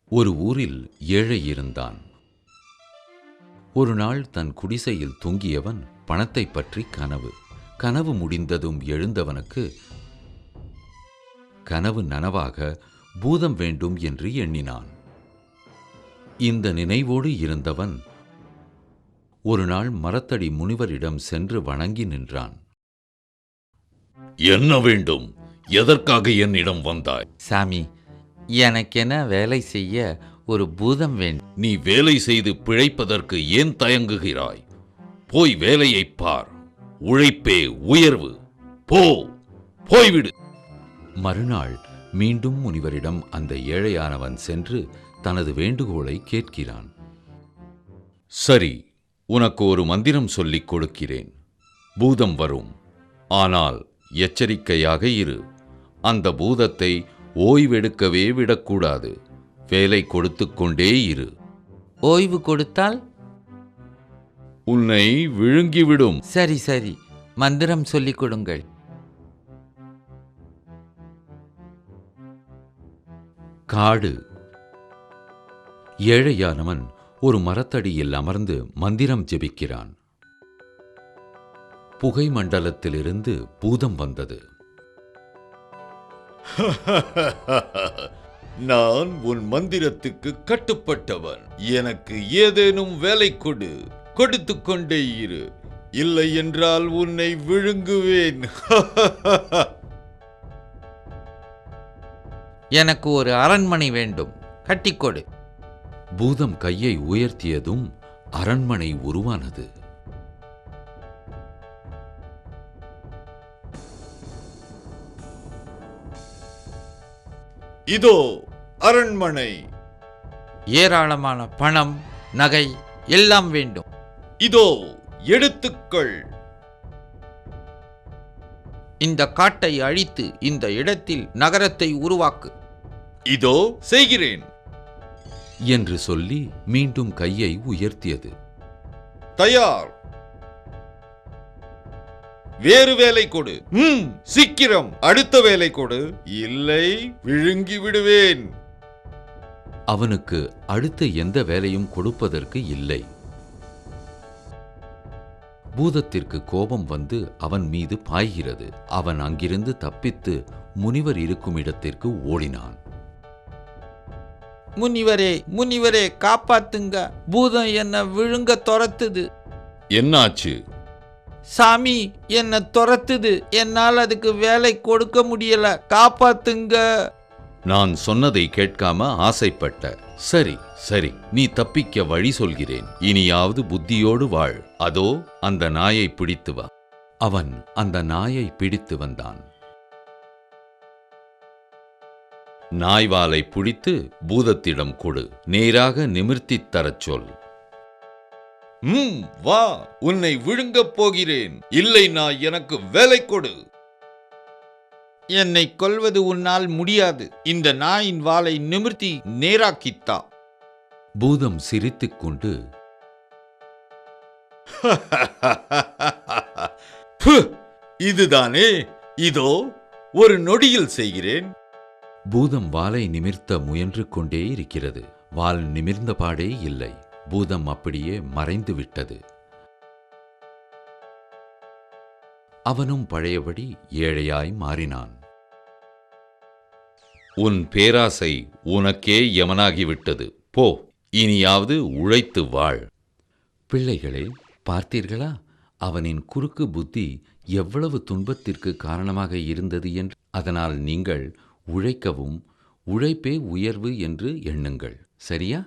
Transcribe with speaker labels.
Speaker 1: ஒரு ஊரில் ஏழை இருந்தான். ஒரு நாள் தன் குடிசையில் தூங்கியவன் பணத்தை பற்றி கனவு முடிந்ததும் எழுந்தவனுக்கு கனவு நனவாக பூதம் வேண்டும் என்று எண்ணினான். இந்த நினைவோடு இருந்தவன் ஒரு நாள் மரத்தடி முனிவரிடம் சென்று வணங்கி நின்றான்.
Speaker 2: என்ன வேண்டும்? எதற்காக என்னிடம் வந்தாய்?
Speaker 3: சாமி, எனக்கென வேலை செய்ய ஒரு பூதம் வேண்டும்.
Speaker 2: நீ வேலை செய்து பிழைப்பதற்கு ஏன் தயங்குகிறாய்? போய் வேலையைப் பார். உழைப்பே உயர்வு. போய்விடு.
Speaker 1: மறுநாள் மீண்டும் முனிவரிடம் அந்த ஏழையானவன் சென்று தனது வேண்டுகோளை கேட்கிறான்.
Speaker 2: சரி, உனக்கு ஒரு மந்திரம் சொல்லிக் கொடுக்கிறேன். பூதம் வரும். ஆனால் எச்சரிக்கையாக இரு. அந்த பூதத்தை ஓய்வெடுக்கவே விடக்கூடாது. வேலை கொடுத்து கொண்டே இரு.
Speaker 3: ஓய்வு கொடுத்தால்
Speaker 2: உன்னை விழுங்கிவிடும்.
Speaker 3: சரி, மந்திரம் சொல்லிக் கொடுங்கள்.
Speaker 1: காடு. ஏழையானவன் ஒரு மரத்தடியில் அமர்ந்து மந்திரம் ஜெபிக்கிறான். புகை மண்டலத்திலிருந்து பூதம் வந்தது.
Speaker 2: நான் உன் மந்திரத்துக்கு கட்டுப்பட்டவன். எனக்கு ஏதேனும் வேலை கொடுத்து கொண்டே இரு. இல்லை என்றால் உன்னை விழுங்குவேன்.
Speaker 3: எனக்கு ஒரு அரண்மனை வேண்டும், கட்டிக்கொடு.
Speaker 1: பூதம் கையை உயர்த்தியதும் அரண்மனை உருவானது.
Speaker 2: இதோ அரண்மனை.
Speaker 3: ஏராளமான பணம், நகை எல்லாம் வேண்டும்.
Speaker 2: இதோ எடுத்துக்கள்.
Speaker 3: இந்த காட்டை அழித்து இந்த இடத்தில் நகரத்தை உருவாக்கு.
Speaker 2: இதோ செய்கிறேன்
Speaker 1: என்று சொல்லி மீண்டும் கையை உயர்த்தியது.
Speaker 2: தயார். வேறு வேலை கொடு. சீக்கிரம் அடுத்த வேலை கொடு. இல்லை, விழுங்கி விடுவேன்.
Speaker 1: அவனுக்கு அடுத்த எந்த வேலையும் கொடுப்பதற்கு இல்லை. பூதத்திற்கு கோபம் வந்து அவன் மீது பாய்கிறது. அவன் அங்கிருந்து தப்பித்து முனிவர் இருக்கும் இடத்திற்கு ஓடினான்.
Speaker 3: முனிவரே காப்பாத்துங்க, பூதம் என்ன விழுங்க துரத்துது.
Speaker 2: என்னாச்சு?
Speaker 3: சாமி, என்ன துரத்துது. என்னால் அதுக்கு வேலை கொடுக்க முடியல, காப்பாத்துங்க.
Speaker 1: நான் சொன்னதை கேட்காம ஆசைப்பட்ட. சரி, நீ தப்பிக்க வழி சொல்கிறேன். இனியாவது புத்தியோடு வாழ். அதோ அந்த நாயை பிடித்து வா. அவன் அந்த நாயை பிடித்து வந்தான். நாய்வாலை பிடித்து பூதத்திடம் கொடு. நேராக நிமிர்த்தித் தரச் சொல்.
Speaker 2: வா, உன்னை விழுங்கப் போகிறேன். இல்லை, நான் எனக்கு வேலை கொடு.
Speaker 3: என்னை கொல்வது உன்னால் முடியாது. இந்த நாயின் வாலை நிமிர்த்தி நேராக்கித்தா.
Speaker 1: பூதம் சிரித்துக் கொண்டு,
Speaker 2: இதுதானே, இதோ ஒரு நொடியில் செய்கிறேன்.
Speaker 1: பூதம் வாலை நிமிர்த்த முயன்று கொண்டே இருக்கிறது. வால் நிமிர்ந்த பாடே இல்லை. பூதம் அப்படியே மறைந்து விட்டது. அவனும் பழையபடி ஏழையாய் மாறினான்.
Speaker 2: உன் பேராசை உனக்கே யமனாகிவிட்டது. போ, இனியாவது உழைத்து வாழ்.
Speaker 1: பிள்ளைகளே, பார்த்தீர்களா? அவனின் குறுக்கு புத்தி எவ்வளவு துன்பத்திற்கு காரணமாக இருந்தது என்று. அதனால் நீங்கள் உழைக்கவும், உழைப்பே உயர்வு என்று எண்ணுங்கள். சரியா?